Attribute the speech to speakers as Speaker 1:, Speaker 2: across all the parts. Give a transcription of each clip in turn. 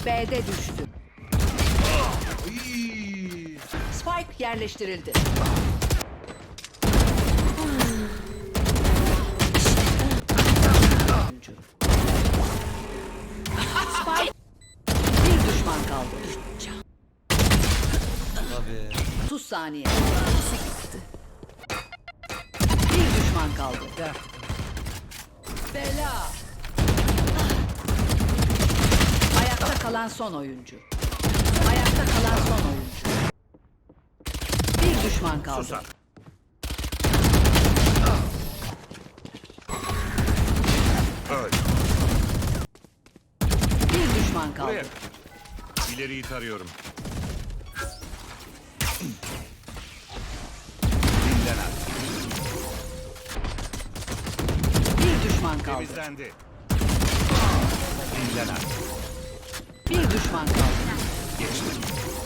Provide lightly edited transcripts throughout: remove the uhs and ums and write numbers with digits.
Speaker 1: B'de düştü.
Speaker 2: Iiii.
Speaker 1: Spike yerleştirildi. Spike. Bir düşman kaldı.
Speaker 3: Tabii.
Speaker 1: 30 saniye. Bir düşman kaldı. Bela. Ayakta kalan son oyuncu. Ayakta kalan son oyuncu. Bir düşman kaldı.
Speaker 2: Susar. Öl.
Speaker 1: Bir düşman kaldı.
Speaker 2: Buraya. İleriyi tarıyorum. Dinlen artık.
Speaker 1: Bir düşman kaldı.
Speaker 2: Temizlendi. Dinlen artık.
Speaker 1: Bir düşman kaldı.
Speaker 2: Geçti.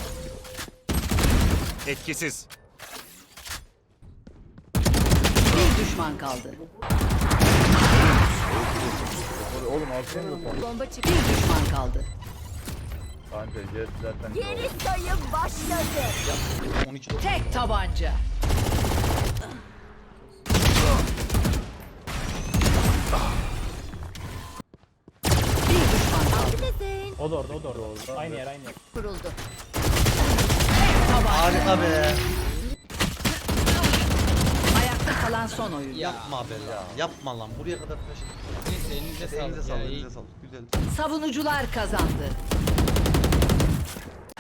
Speaker 2: Etkisiz.
Speaker 1: Bir düşman kaldı.
Speaker 4: Oğlum alsana da sen.
Speaker 5: Bomba çıktı.
Speaker 1: Bir düşman kaldı.
Speaker 4: Kanka jet zaten.
Speaker 5: Geri sayım başladı.
Speaker 3: 12.
Speaker 1: Tek tabanca. Bir düşman kaldı.
Speaker 5: Neredesin?
Speaker 6: O da orada, o da orada. Aynı yer, aynı yer.
Speaker 5: Kuruldu.
Speaker 3: Harika be.
Speaker 1: Ayakta kalan son oyuncu.
Speaker 3: Yapma be ya. Yapma lan. Buraya kadar taşıdık.
Speaker 6: Neyse elinize
Speaker 3: Elinize
Speaker 6: sağlık
Speaker 3: sağlık.
Speaker 6: ya.
Speaker 3: Elinize sağlık. Güzel.
Speaker 1: Savunucular kazandı.